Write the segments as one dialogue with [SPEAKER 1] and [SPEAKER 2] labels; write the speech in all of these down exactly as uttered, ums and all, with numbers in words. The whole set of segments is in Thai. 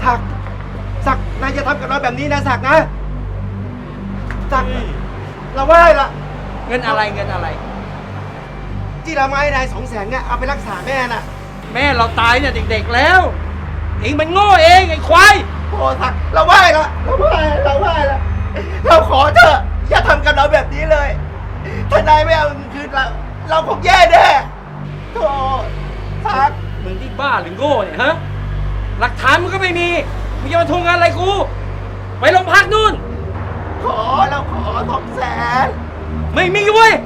[SPEAKER 1] ศักดิ์ศักดิ์นายจะทำกับเราแบบนี้นะศักดิ์นะศักดิ์เราไหว้ละ
[SPEAKER 2] เงินอะไรเงินอะไร
[SPEAKER 1] ที่เรามาให้นายสองแสนเนี่ยเอาไปรักษาแม่น่ะ
[SPEAKER 2] แม่เราตายเนี่ยเด็กๆแล้วเองมันโง่เองไอ้ควาย
[SPEAKER 1] โอ้ศักดิ์เราไหว้ละเราไหว้เราไหว้ละเราขอเถอะอย่าทำกับเราแบบนี้เลยถ้านายไม่เอาเงินคืนเราเราคงแย่แน่โธ่ศักดิ์
[SPEAKER 2] มึงที่บ้าหรือโง่เนี่ยฮะหลักฐานมึงก็ไม่มีมึงจะมาทวงเงินอะไรกูไปโรงพักนู่น
[SPEAKER 1] ขอเราขอสองแสน
[SPEAKER 2] ไม่มีเว้ย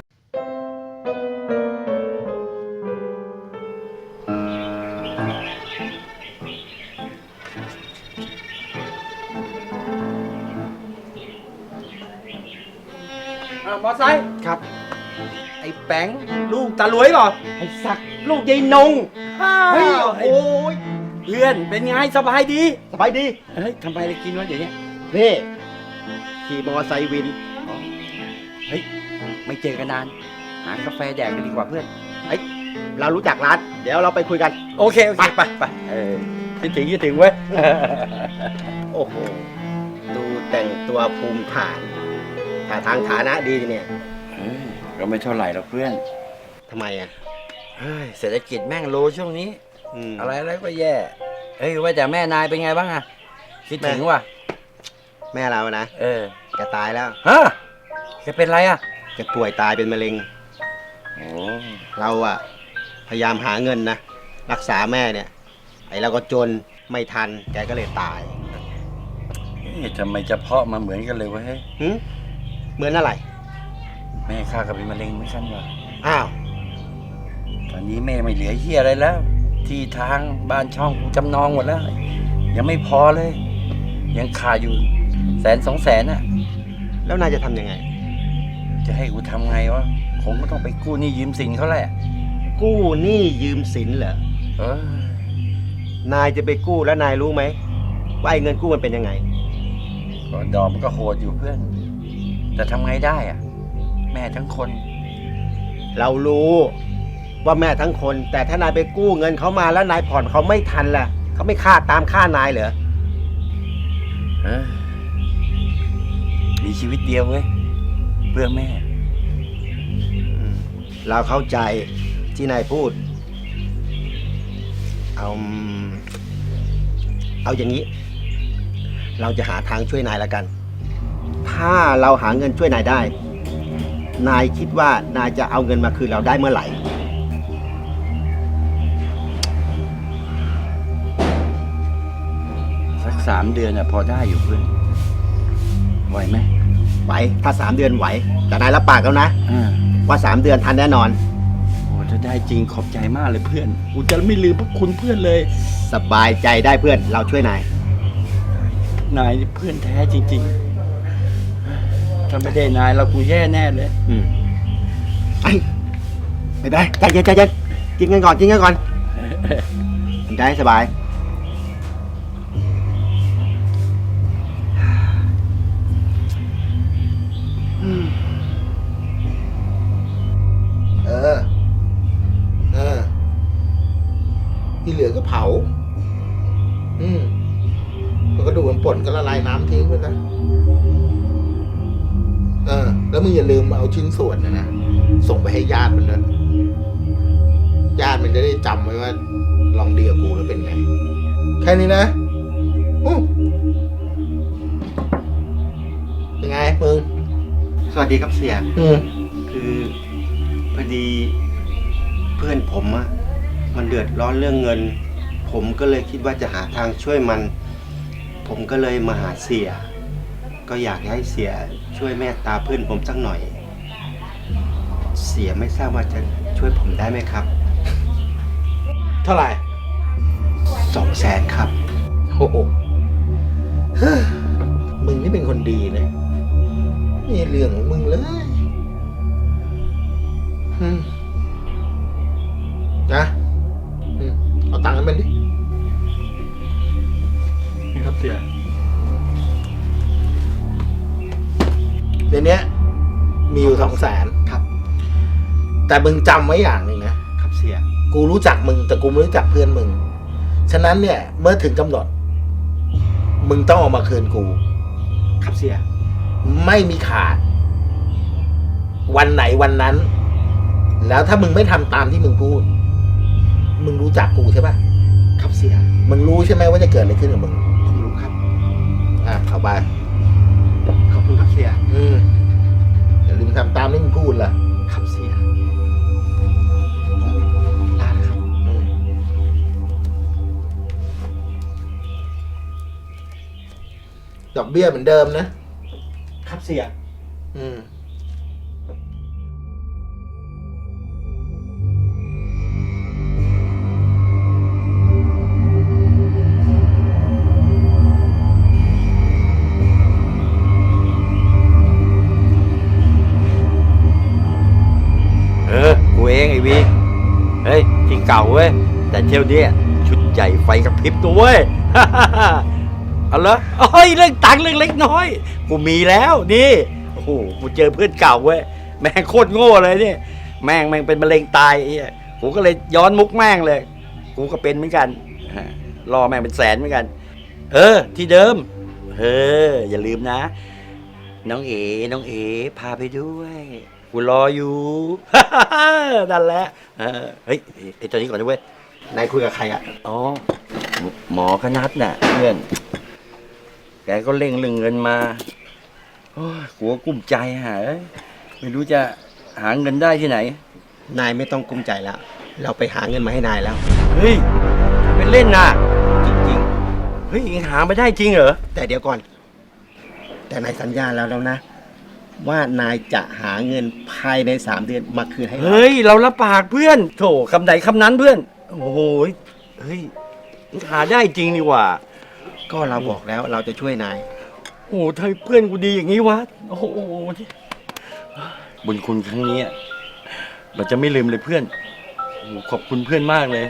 [SPEAKER 2] อ่ะมอไซค์
[SPEAKER 1] ครับ
[SPEAKER 2] ไอ้แป้งลูกตาหลวยเปล่า
[SPEAKER 1] ไอ้ศักดิ์ลูกยายนง เฮ้ยโอ้ย
[SPEAKER 2] เพื่อนเป็นไงสบายดี
[SPEAKER 1] สบายดี
[SPEAKER 2] เฮ้ยทำไมได้กินวะเดี๋ยวนี้
[SPEAKER 1] นี่ขี่มอไซค์วิน
[SPEAKER 2] เฮ้ยไม่เจอกันนานหากาแฟแดกกันดีกว่าเพื่อน
[SPEAKER 1] เฮ้ยเรารู้จักร้าน เดี๋ยวเราไปคุยกัน
[SPEAKER 2] โอเคโอเคไปไปเออคิดถึงคิดถึงเว้ย
[SPEAKER 1] โอ้โห ดูแต่งตัวภูมิฐานท่าทางฐานะดีเนี่ย
[SPEAKER 2] เฮ้ยก็ไม่เท่าไหร่หรอกเพื่อน
[SPEAKER 1] ทำไมอ่ะ
[SPEAKER 2] เฮ้ยเศรษฐกิจแม่งโลช่วงนี้
[SPEAKER 1] ม
[SPEAKER 2] อะไรอะไรก็แย่เฮ้ยว่าแต่แม่นายเป็นไงบ้างอะคิดถึงว่ะ
[SPEAKER 1] แม่เรานะ
[SPEAKER 2] เออ
[SPEAKER 1] แกตายแล้ว
[SPEAKER 2] ฮะแกเป็นไรอะ
[SPEAKER 1] แกป่วยตายเป็นมะเร็ง
[SPEAKER 2] โอ้
[SPEAKER 1] เราอะพยายามหาเงินนะ รักษาแม่เนี่ย ไอ้เราก็จนไม่ทัน แกก็เลยตาย
[SPEAKER 2] เฮ้ยทำไมจะเพาะมาเหมือนกันเลยวะเฮ้ย
[SPEAKER 1] หึเหมือนอะไร
[SPEAKER 2] แม่ข้าก็เป็นมะเร็งเหมือนกันว่ะ
[SPEAKER 1] อ้าว
[SPEAKER 2] ตอนนี้แม่ไม่เหลือเฮียอะไรแล้ว ที่ทางบ้านช่องกูจำนองหมดแล้ว ยังไม่พอเลย ยังขาดอยู่แสนสองแสนอะ
[SPEAKER 1] แล้วนายจะทำยังไง
[SPEAKER 2] จะให้กูทำไงวะคงก็ต้องไปกู้หนี้ยืมสินเขาแหละ
[SPEAKER 1] กู้หนี้ยืมสินเหรอ
[SPEAKER 2] เออน
[SPEAKER 1] ายจะไปกู้แล้วนายรู้ไหมว่าไอ้เงินกู้มันเป็นยังไง
[SPEAKER 2] ก็ดอกมันก็โหดอยู่เพื่อน แต่ทำไงได้อะแม่ทั้งคน
[SPEAKER 1] เรารู้ว่าแม่ทั้งคน แต่ถ้านายไปกู้เงินเขามาแล้วนายผ่อนเขาไม่ทันล่ะเขาไม่ค่าตามค่านายเหรอ
[SPEAKER 2] เออมีชีวิตเดียวเว้ยเพื่อแม่
[SPEAKER 1] อืมเราเข้าใจที่นายพูด เอาเอาอย่างนี้ เราจะหาทางช่วยนายแล้วกัน ถ้าเราหาเงินช่วยนายได้ นายคิดว่านายจะเอาเงินมาคืนเราได้เมื่อไหร่
[SPEAKER 2] สักสามเดือนอะพอได้อยู่เพื่อนไหวไหม
[SPEAKER 1] ไหว ถ้าสามเดือนไหว แต่นายรับปากแล้วนะ
[SPEAKER 2] อ่า
[SPEAKER 1] ว่าสามเดือนทันแน่นอน
[SPEAKER 2] โอ้ถ้าได้จริงขอบใจมากเลยเพื่อนกูจะไม่ลืมพวกคุณเพื่อนเลย
[SPEAKER 1] สบายใจได้เพื่อน เราช่วยนาย
[SPEAKER 2] นายนี่เพื่อนแท้จริงๆถ้าไม่ได้นายเรากูแย่แน่เลย
[SPEAKER 1] อืมไอ้ไม่ได้ใจเย็นใจเย็นกินกันก่อนกินกันก่อนกินได้สบายอืมเออ เออ ที่เหลือก็เผา อืมแล้วก็ดูมันป่นก็ละลายน้ำทิ้งไปนะเออ แล้วมึงอย่าลืมเอาชิ้นส่วนนะนะ ส่งไปให้ญาติมันด้วยญาติมันจะได้จำไว้ว่า ลองดีกับกูแล้วเป็นไง แค่นี้นะอู้เป็นไงมึง สวัสดีครับเสีย อืมคือพอดีเพื่อนผมอะมันเดือดร้อนเรื่องเงิน ผมก็เลยคิดว่าจะหาทางช่วยมัน ผมก็เลยมาหาเสีย ก็อยากให้เสียช่วยเมตตาเพื่อนผมสักหน่อย เสียไม่ทราบว่าจะช่วยผมได้ไหมครับ เท่าไหร่สองแสนครับโอ้โหมึงนี่เป็นคนดีนะนี่เรื่องของมึงเลยอืมนะอืมเอาตังค์ให้มันดิ
[SPEAKER 2] นี่ครับเสีย
[SPEAKER 1] เดี๋ยวนี้มีอยู่สองแสนครับ แต่มึงจำไว้อย่างหนึ่งนะครับเสีย กูรู้จักมึงแต่กูไม่รู้จักเพื่อนมึง ฉะนั้นเนี่ยเมื่อถึงกำหนด
[SPEAKER 3] มึงต้องเอามาคืนกู
[SPEAKER 1] ครับเสีย
[SPEAKER 3] ไม่มีขาด วันไหนวันนั้น แล้วถ้ามึงไม่ทำตามที่มึงพูด มึงรู้จักกูใช่ปะ
[SPEAKER 1] ครับเสีย
[SPEAKER 3] มึงรู้ใช่ไหมว่าจะเกิดอะไรขึ้นกับมึง
[SPEAKER 1] ผมรู้ครับ
[SPEAKER 3] อ่ะเอาไป
[SPEAKER 1] ขอบคุณครับเสีย
[SPEAKER 3] อืมอย่าลืมทำตามที่มึงพูดล่ะ
[SPEAKER 1] ครับเสียผมลาแล้วครับ
[SPEAKER 3] อืมดอกเบี้ยเหมือนเดิมนะครับ
[SPEAKER 1] เสีย
[SPEAKER 3] อืม
[SPEAKER 2] เออ กูเองไอ้วีเฮ้ย ที่เก่าเว้ย แต่เที่ยวเนี้ยชุดใหญ่ไฟกระพริบตัวเว้ย เอาละเฮ้ย เรื่องตังค์เรื่องเล็กน้อย กูมีแล้วนี่ โอ้โห กูเจอเพื่อนเก่าเว้ย แม่งโคตรโง่เลยเนี่ย แม่งแม่งเป็นมะเร็งตายไอ้เหี้ยกูก็เลยย้อนมุกแม่งเลย กูก็เป็นเหมือนกันฮะรอแม่งเป็นแสนเหมือนกัน เออ ที่เดิม เออ อย่าลืมนะ น้องเอ๋น้องเอ๋พาไปด้วย กูรออยู่ นั่นแหละเออเฮ้ยไอ้ตอนนี้ก่อนนะเว้ย
[SPEAKER 1] นายคุยกับใครอะ
[SPEAKER 2] อ๋อ หมอคนัดน่ะเพื่อน แกก็เร่งเรื่องเงินมา โอ้ยกูก็กุ้มใจฮะเอ้ยไม่รู้จะหาเงินได้ที่ไหน
[SPEAKER 1] นายไม่ต้องกุ้มใจแล้ว เราไปหาเงินมาให้นายแล้ว
[SPEAKER 2] เฮ้ยเป็นเล่นน่ะ
[SPEAKER 1] จริง
[SPEAKER 2] เฮ้ยยังหาไม่ได้จริงเหรอ
[SPEAKER 1] ๆ แต่เดี๋ยวก่อน แต่นายสัญญาแล้วแล้วนะ ว่านายจะหาเงินภายในสามเดือนมาคืนให้เรา
[SPEAKER 2] เฮ้ย เราละปากเพื่อน โถคำไหนคำนั้นเพื่อน โอ้โหเฮ้ยหาได้จริงนี่หว่า
[SPEAKER 1] ก็เราบอกแล้วเราจะช่วยนาย
[SPEAKER 2] โอ้โหทำไมเพื่อนกูดีอย่างนี้วะ โอ้โหบุญคุณครั้งนี้เราจะไม่ลืมเลยเพื่อนโอ้โหขอบคุณเพื่อนมากเลย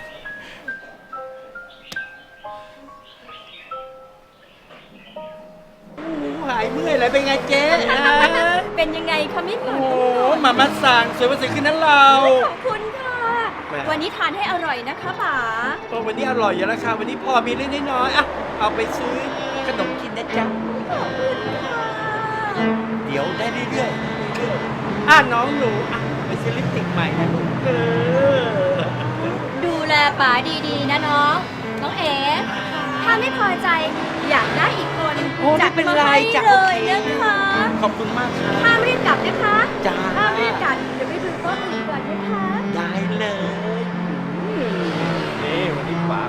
[SPEAKER 2] หายเมื่อยเลยเป็นไงเจ๊
[SPEAKER 4] เป็นยังไงคะไม่หม
[SPEAKER 2] โอ้
[SPEAKER 4] ด
[SPEAKER 2] โหมามาสั่งสวยมาสวยขึ้นนั้นเรา
[SPEAKER 4] ขอบคุณค่ะ
[SPEAKER 2] แม่
[SPEAKER 4] วันนี้ทานให้อร่อยนะคะป๋า
[SPEAKER 2] โอ้วันนี้อร่อยอยู่แล้วค่ะวันนี้พอมีเล็กน้อยๆอ่ะเอาไปซื้อขนมกินนะจ๊ะ
[SPEAKER 4] ขอบคุณค่ะ
[SPEAKER 2] เดี๋ยวได้เรื่อยๆเรื่อยๆอ่ะน้องหนูอ่ะไปซื้อลิปสติกใหม่นะลูกเออ
[SPEAKER 4] ดูแลป๋าดีๆนะน้อง น้องเอ๋ถ้าไม่พอใจอยากได้อีกคน
[SPEAKER 2] โอ้ไม่
[SPEAKER 4] จัด
[SPEAKER 2] เป็น
[SPEAKER 4] มา
[SPEAKER 2] ไร
[SPEAKER 4] ให้
[SPEAKER 2] จ้ะ
[SPEAKER 4] เลยนะคะ
[SPEAKER 2] ขอบคุณมากค่ะ
[SPEAKER 4] ห้ามรีบกลับนะคะ
[SPEAKER 2] จ้า
[SPEAKER 4] ห้ามรีบกลับเดี๋ยวไปดูโต๊ะอื่นก่อนนะคะ
[SPEAKER 2] ได้เลยนี่วันนี้ป๋า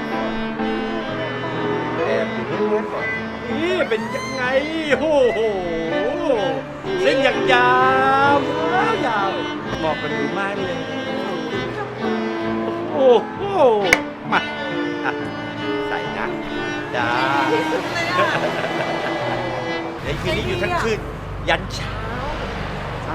[SPEAKER 2] แอบอยู่ตรงนั้นก่อนนี่เป็นยังไงโอ้โหเส้นอย่างยาวยาวเหมาะกันดูมากเลยโอ้โหมาอ่ะใส่นะจ้าเดี๋ยวคืนนี้อยู่ทั้งคืนยันเช้าอ่ะ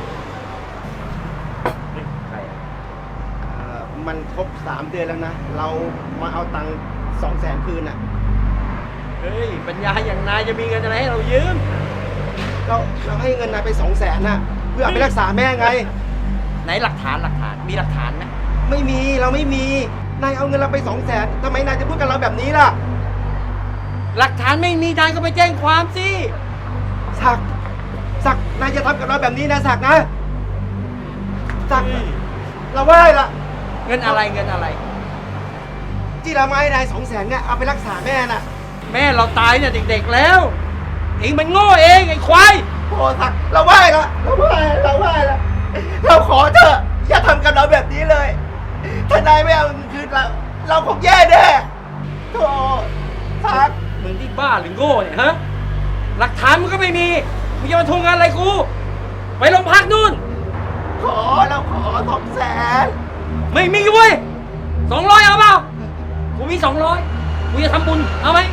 [SPEAKER 2] เฮ้ยใครอ่ะ
[SPEAKER 1] เอ่อมันครบสามเดือนแล้วนะ เรามาเอาตังค์สองแสนคืนอ่ะ
[SPEAKER 2] เฮ้ย ปัญญาอย่างนายจะมีเงินอะไรให้เรายืม
[SPEAKER 1] เราเราให้เงินนายไปสองแสนน่ะ เพื่อเอาไปรักษาแม่ไง
[SPEAKER 2] ไหนหลักฐานหลักฐาน มีหลักฐานไหม
[SPEAKER 1] ไม่มีเราไม่มี นายเอาเงินเราไปสองแสนทำไมนายจะพูดกับเราแบบนี้ล่ะ
[SPEAKER 2] หลักฐานไม่มีนายก็ไปแจ้งความสิ
[SPEAKER 1] ศักดิ์ศักดิ์นายจะทำกับเราแบบนี้นะศักดิ์นะศักดิ์เราไหว้ละ
[SPEAKER 2] เงินอะไรเงินอะไร
[SPEAKER 1] ที่เรามาให้นายสองแสนเนี่ยเอาไปรักษาแม่น่ะ
[SPEAKER 2] แม่เราตายเนี่ยเด็กๆแล้ว เองมันโง่เองไอ้ควาย
[SPEAKER 1] โอ้ศักดิ์เราไหว้ละเราไหว้เราไหว้ละเราขอเถอะอย่าทำกับเราแบบนี้เลย ถ้านายไม่เอาเงินคืนเราเราคงแย่แน่โธ่ศักดิ์
[SPEAKER 2] มึงที่บ้าหรือโง่เนี่ยฮะ หลักฐานมึงก็ไม่มี มึงจะมาทวงเงินอะไรกู ไปโรงพักนู่น
[SPEAKER 1] ขอเราขอสองแสน
[SPEAKER 2] ไม่มีเว้ยสองร้อยเอาเปล่า กูมีสองร้อยกูจะทำบุญ เอาไหม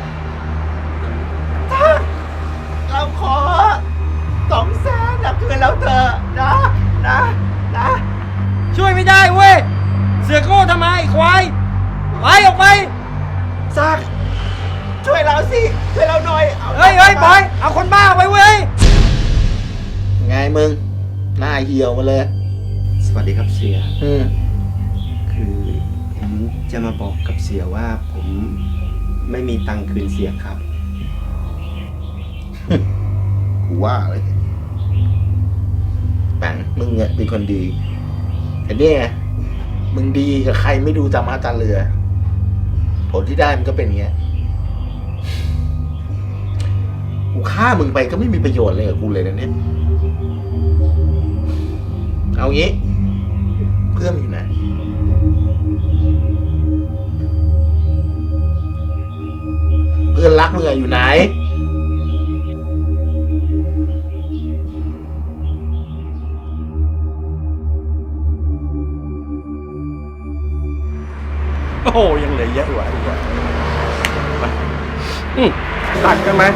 [SPEAKER 1] เราขอสองแสนอย่าคืนเราเถอะนะนะนะ
[SPEAKER 2] ช่วยไม่ได้เว้ย เสือกโง่ทำไมไอ้ควาย ไปออกไป
[SPEAKER 1] ซักช่วยเราสิช่วยเราหน่อยอา
[SPEAKER 2] เฮ้ยเฮ้ยบอย เอาคนบ้าไปเว้ย
[SPEAKER 3] ไงมึง หน้าเหี่ยวมาเลย
[SPEAKER 1] สวัสดีครับเสีย
[SPEAKER 3] อืม
[SPEAKER 1] คือผมจะมาบอกกับเสียว่าผมไม่มีตังค์คืนเสียครับ
[SPEAKER 3] กูว่าเลยแปงมึงเนี่ยเป็นคนดีแต่เนี่ยมึงดีกับใครไม่ดูจำมาจาเรือ ผลที่ได้มันก็เป็นอย่างเงี้ยกูฆ่ามึงไปก็ไม่มีประโยชน์เลยกับกูเลยนะเนี่ยเอางี้ เพื่อนอยู่ไหนเพื่อนรักมึงอะอยู่ไหน
[SPEAKER 2] โอ้โหยังเหลือเยอะกว่าอีกว่ามา
[SPEAKER 5] อืมตัดกันไหม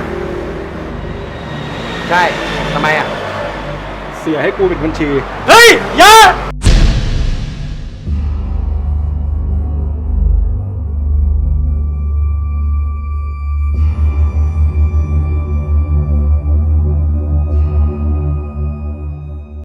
[SPEAKER 2] ใช่ทำไมอ่ะ
[SPEAKER 5] เสียให้กูเป็นบัญชี
[SPEAKER 2] เฮ้ยอย่า